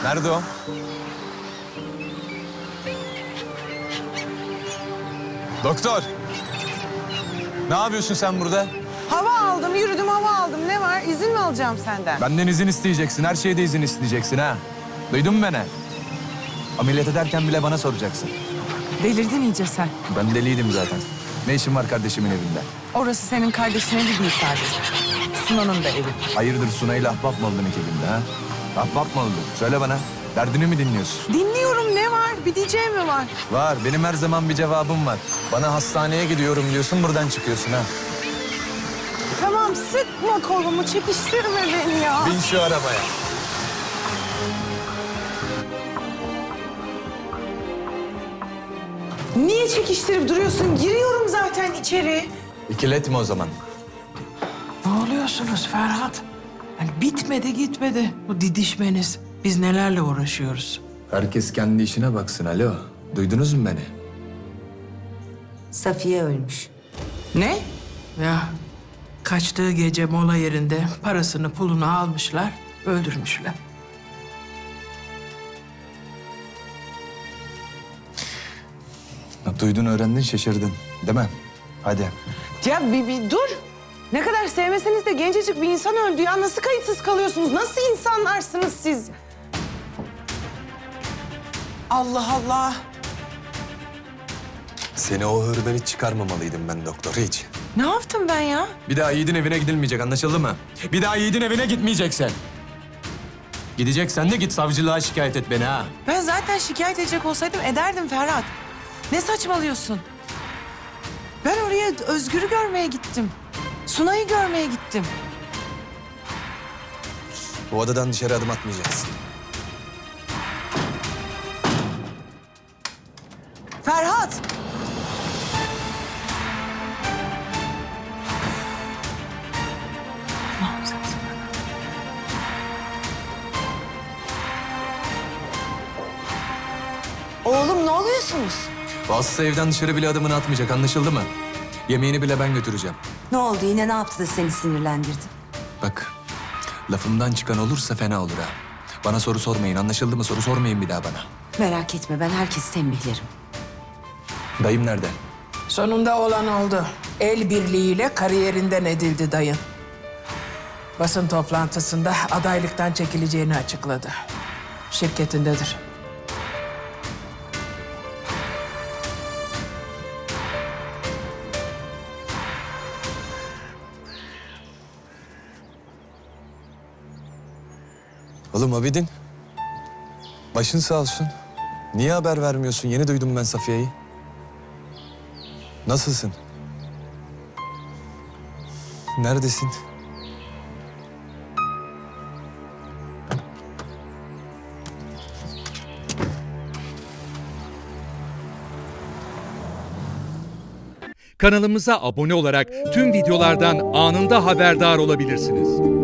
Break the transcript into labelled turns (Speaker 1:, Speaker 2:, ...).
Speaker 1: Nerede o? Doktor! Ne yapıyorsun sen burada?
Speaker 2: Hava aldım, yürüdüm, hava aldım. Ne var? İzin mi alacağım senden?
Speaker 1: Benden izin isteyeceksin. Her şeyde izin isteyeceksin ha. Duydun mu beni? Ameliyat ederken bile bana soracaksın.
Speaker 2: Delirdin iyice sen.
Speaker 1: Ben deliydim zaten. Ne işin var kardeşimin evinde?
Speaker 2: Orası senin kardeşinin evi değil sadece. Sunan'ın da evi.
Speaker 1: Hayırdır Sunay'la ahbap mı oldun ekibinde ha? Ahbap mı oldun? Söyle bana. Derdini mi dinliyorsun?
Speaker 2: Dinliyorum, ne var? Bir diyeceğim mi var?
Speaker 1: Var. Benim her zaman bir cevabım var. Bana hastaneye gidiyorum diyorsun, buradan çıkıyorsun ha.
Speaker 2: Tamam, sıkma kolumu, çekiştirme beni ya.
Speaker 1: Bin şu arabaya.
Speaker 2: Niye çekiştirip duruyorsun? Giriyorum zaten içeri.
Speaker 1: İkiletme o zaman.
Speaker 3: Ne oluyorsunuz Ferhat? Yani bitmedi gitmedi bu didişmeniz. Biz nelerle uğraşıyoruz?
Speaker 1: Herkes kendi işine baksın. Alo. Duydunuz mu beni?
Speaker 4: Safiye ölmüş.
Speaker 2: Ne?
Speaker 3: Ya kaçtığı gece mola yerinde parasını pulunu almışlar, öldürmüşler.
Speaker 1: Duydun, öğrendin, şaşırdın. Değil mi? Hadi.
Speaker 2: Ya bir dur. Ne kadar sevmeseniz de gencecik bir insan öldü ya. Nasıl kayıtsız kalıyorsunuz? Nasıl insanlarsınız siz? Allah Allah.
Speaker 1: Seni o hırdan hiç çıkarmamalıydım ben doktor, hiç.
Speaker 2: Ne yaptım ben ya?
Speaker 1: Bir daha Yiğit'in evine gidilmeyecek, anlaşıldı mı? Bir daha Yiğit'in evine gitmeyeceksin. Gideceksen de git savcılığa şikayet et beni ha.
Speaker 2: Ben zaten şikayet edecek olsaydım ederdim Ferhat. Ne saçmalıyorsun? Ben oraya Özgür'ü görmeye gittim. Sunay'ı görmeye gittim.
Speaker 1: Bu odadan dışarı adım atmayacaksın.
Speaker 2: Ferhat!
Speaker 4: Oğlum ne oluyorsunuz?
Speaker 1: Vasıfsız evden dışarı bile adımını atmayacak, anlaşıldı mı? Yemeğini bile ben götüreceğim.
Speaker 4: Ne oldu yine ne yaptı da seni sinirlendirdi?
Speaker 1: Bak, lafımdan çıkan olursa fena olur ha. Bana soru sormayın, anlaşıldı mı? Soru sormayın bir daha bana.
Speaker 4: Merak etme ben herkesi tembihlerim.
Speaker 1: Dayım nerede?
Speaker 3: Sonunda olan oldu. El birliğiyle kariyerinden edildi dayın. Basın toplantısında adaylıktan çekileceğini açıkladı. Şirketindedir.
Speaker 1: Oğlum Abidin. Başın sağ olsun. Niye haber vermiyorsun? Yeni duydum ben Safiye'yi. Nasılsın? Neredesin?
Speaker 5: Kanalımıza abone olarak tüm videolardan anında haberdar olabilirsiniz.